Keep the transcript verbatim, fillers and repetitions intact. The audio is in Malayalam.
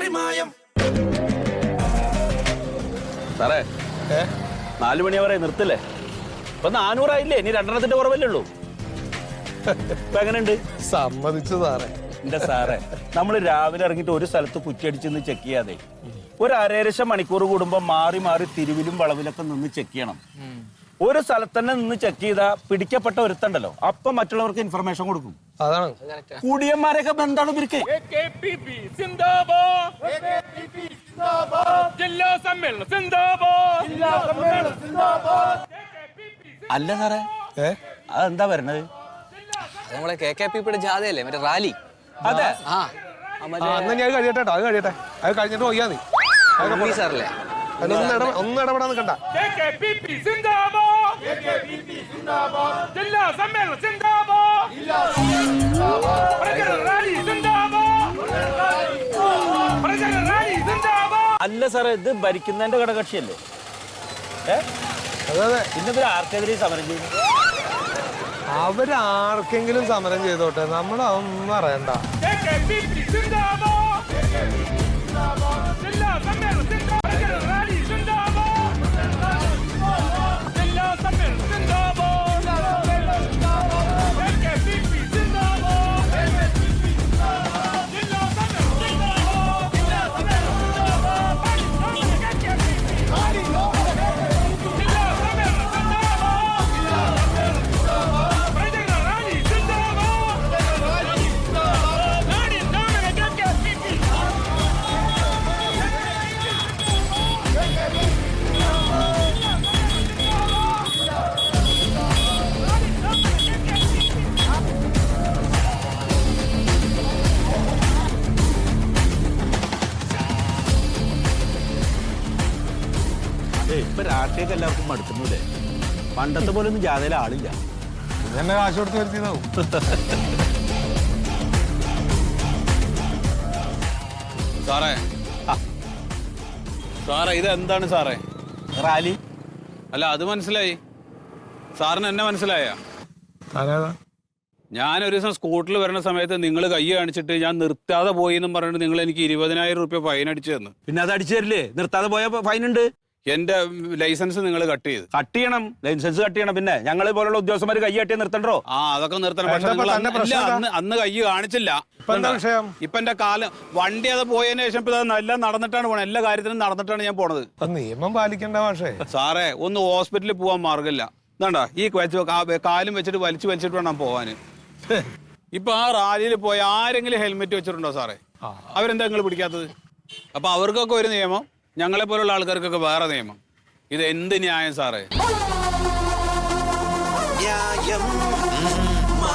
മാറിമായം. സാറേ നാലു മണി വരെ നിർത്തില്ലേ? ഇപ്പൊ നാനൂറായില്ലേ? ഇനി രണ്ടെണ്ണത്തിന്റെ കുറവല്ലേ ഉള്ളൂ. ഇപ്പൊ എങ്ങനെയുണ്ട്? സമ്മതിച്ചു സാറേ. എന്റെ സാറേ, നമ്മൾ രാവിലെ ഇറങ്ങിയിട്ട് ഒരു സ്ഥലത്ത് കുറ്റിയടിച്ചെന്ന് ചെക്ക് ചെയ്യാതെ ഒരു അരേരശം മണിക്കൂർ കൂടുമ്പോ മാറി മാറി തിരുവിലും വളവിലൊക്കെ നിന്ന് ചെക്ക് ചെയ്യണം. ഒരു സ്ഥലത്ത് തന്നെ നിന്ന് ചെക്ക് ചെയ്താ പിടിക്കപ്പെട്ട ഒരുത്തണ്ടല്ലോ, അപ്പൊ മറ്റുള്ളവർക്ക് ഇൻഫർമേഷൻ കൊടുക്കും. അതാണ് കുടിയന്മാരൊക്കെ ബന്ധാണ് ഇവർക്ക്. അല്ല സാറേ, അതെന്താ വരണത്? നമ്മളെ കെ കെ പിയുടെ ജാഥയല്ലേ, മറ്റേ റാലി. അതെ. ആ ഞാൻ കഴിയട്ടെ അത് കഴിയട്ടെ അത് കഴിഞ്ഞിട്ട് പോയാ നീ സാറല്ലേ. ഒന്നും ഇടപെടാൻ നിൽക്കണ്ട. അല്ല സാറേ, ഇത് ഭരിക്കുന്നതിന്റെ ഘടകക്ഷിയല്ലേ? ഏ അതെ അതെ. ഇന്നിവർ ആർക്കെതിരെ സമരം ചെയ്യുന്നു? അവരാർക്കെങ്കിലും സമരം ചെയ്തോട്ടെ, നമ്മളതൊന്നും അറിയണ്ട. ഇപ്പൊ രാഷ്ട്രീയൊക്കെ എല്ലാവർക്കും മടുക്കുന്നില്ലേ? പണ്ടത്തെ പോലെ ഒന്നും ജാഥയിൽ ആളില്ല. ഇതെന്നെ കാശ് കൊടുത്ത് വരുത്തിയതാവും. സാറേ സാറേ ഇതെന്താണ് സാറേ? റാലി അല്ല, അത് മനസ്സിലായി. സാറിന് എന്നെ മനസ്സിലായ? ഞാനൊരു ദിവസം സ്കൂട്ടറിൽ വരുന്ന സമയത്ത് നിങ്ങൾ കൈ കാണിച്ചിട്ട് ഞാൻ നിർത്താതെ പോയി എന്നും പറഞ്ഞിട്ട് നിങ്ങൾ എനിക്ക് ഇരുപതിനായിരം റുപ്യ ഫൈൻ അടിച്ചു തന്നു. പിന്നെ അത് അടിച്ചു തരില്ലേ? നിർത്താതെ പോയ ഫൈൻ ഉണ്ട്. എന്റെ ലൈസൻസ് നിങ്ങൾ കട്ട് ചെയ്ത്. കട്ട് ചെയ്യണം, ലൈസൻസ് കട്ട് ചെയ്യണം. പിന്നെ ഞങ്ങളെ പോലുള്ള ഉദ്യോഗസ്ഥന്മാർ കൈ കട്ടിയാൽ നിർത്തണ്ടോ? ആ അതൊക്കെ നിർത്തണം. പക്ഷെ അന്ന് അന്ന് കൈ കാണിച്ചില്ല. ഇപ്പൊ എന്റെ കാലം വണ്ടി അത് പോയതിനു ശേഷം ഇപ്പൊ എല്ലാം നടന്നിട്ടാണ് പോണത്. എല്ലാ കാര്യത്തിനും നടന്നിട്ടാണ് ഞാൻ പോണത്. നിയമം പാലിക്കേണ്ട പക്ഷേ സാറേ, ഒന്ന് ഹോസ്പിറ്റലിൽ പോവാൻ മാർഗമില്ല. എന്താണ്ടാ ഈ കാലും വെച്ചിട്ട് വലിച്ചു വലിച്ചിട്ട് വേണം പോവാന്. ഇപ്പൊ ആ റാലിയിൽ പോയ ആരെങ്കിലും ഹെൽമെറ്റ് വെച്ചിട്ടുണ്ടോ സാറേ? അവരെന്താ നിങ്ങൾ പിടിക്കാത്തത്? അപ്പൊ അവർക്കൊക്കെ ഒരു നിയമം, ഞങ്ങളെ പോലുള്ള ആൾക്കാർക്കൊക്കെ വേറെ നിയമം. ഇത് എന്ത് ന്യായം സാറേ? ന്യായം